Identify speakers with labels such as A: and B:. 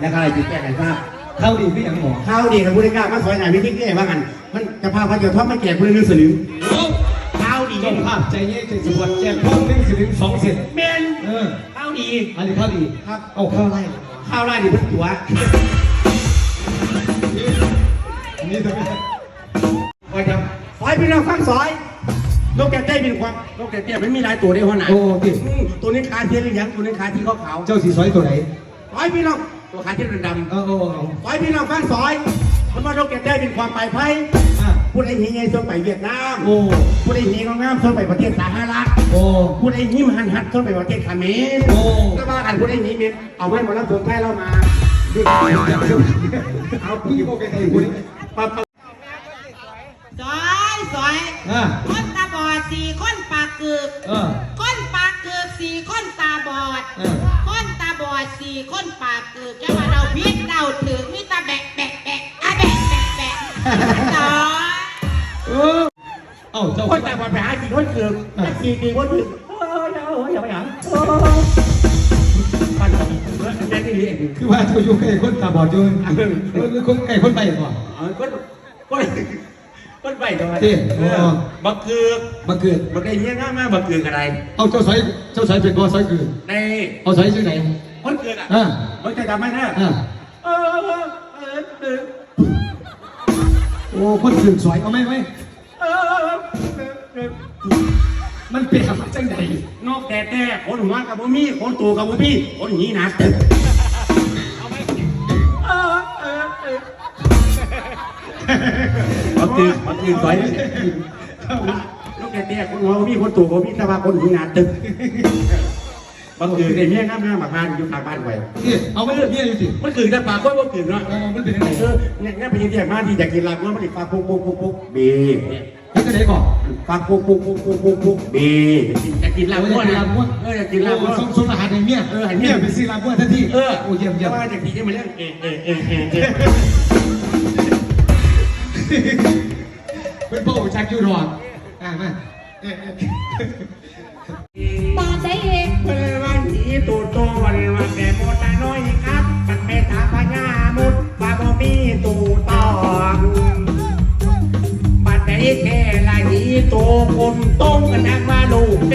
A: แล้วก็อะไรจุดแก้ไขทราบ
B: เข้าดีพี่อย่างหมอ
A: ข้าวดีกับผู้ได้กล้ามาซอยไหนพี่ที่แก้ว่ากันมันจะพาพระเจ้าทอดมาแก่ผู้ได้เงินสลึงข้าวดี
B: เจ้าภาพใจเย็นใจสปวดแจกพร้อม1 สลึง2 เซน
A: เมนข้าวดี
B: อันนี้ข้าวดี
A: ครับ
B: เอาข้าวไร่
A: ข้าวไร่ดีเพิ่งตัว
B: นี่ตัว
A: ว่าจะซอยพี่น้องฟังซอยนกแก้วเต้เป็นความนกแก้วเต้ไม่มีลายตัวได้หัวหน้า
B: โอ้ดิ
A: ตัวนี้ขาเทียนหรือยังตัวนี้ขาที่เขาขาว
B: เจ้าสีซอยตัวไหน
A: ซอยพี่น้องตัวขาที่ดำซอยพี่น้องฟังซอยมันว่านกแก้วเต้เป็นความไปไพ่พูดไอ้หีไงส่งไปเวียดนามพูดไอ้หีงามส่งไปประเทศสาธารณรัฐพูดไอ้หีมันหัดส่งไปประเทศเขมรก็ว่ากันพูดไอ้หีเมียเอาไว้หมดแล้วส่งไทยเรามาเอาพี่โมกันไอ้คุณ
C: สอยคนตาบอด4 คนปากกึกคนปากกึก4 คนตาบอดคนตาบอด4 คนปากกึกแค่ว่าเราพิษเราถือมีตาแบกอะแบกสอย
B: เอ้าเจ้า
A: คนตาบอดไปหา4 คนเกือบ4 คนถึงอย่าไปหาปั้นกันแม่นี่
B: คือว่าเจ้าอยู่ใกล้คนตาบอดอยู่คนใกล้คนไปก่อน
A: คนไปก่อนบักเกือก
B: บั
A: กไอ้เนี้ยง่ายมากบักเกือกอะไร
B: เอาเจ้าสายเป็นบ่สายคือ
A: ใน
B: เอาสายชื่อไหน
A: คนเกือกมันจะทำไหมนะ
B: โอ้คนเกือกสวยเอาไหมมันเป็นอะไรจังใด
A: นอกแต่คนหัวกับบุมี่คนตัวกับบุมี่คนหีหนาตึกบักเกือกสวยนอกแต่คนหัวบุมี่คนตัวกับบุมี่แต่ว่าคนหีหนาตึกบักเกือกไอ้เนี้ยง่ายมากบ้านอยู่ทางบ้านไว้
B: เอาไม่เลือกเนี่ยอยู่สิ
A: มันเกือกแต่ปากก็บักเกือกเนาะ
B: มันเป็นยังไง
A: เนี่ยไปเรียกมาที่อยากกินลาบเมื่อมันติดปากปุ๊กบี
B: นี่จะได้ก่อน
A: ปากปุ๊กบีอยากกินลาบม้วนอยากกินลาบม้วน
B: ส่งอาหารในเมียเมียเป็นซีลาบม้วนทันทีโอ้เยี่ยม
A: ว่าจากที่จะมาเรื่อง
B: เป็นพ่อชักยูรอนมา
C: บาดได้เอง
A: วันนี้ตูโตวันแต่โมตาน้อยครับมันเมตาพญามุดบาบมีตูตองบัดได้แค่ละหีตูคนต้งกันนักว่าลูก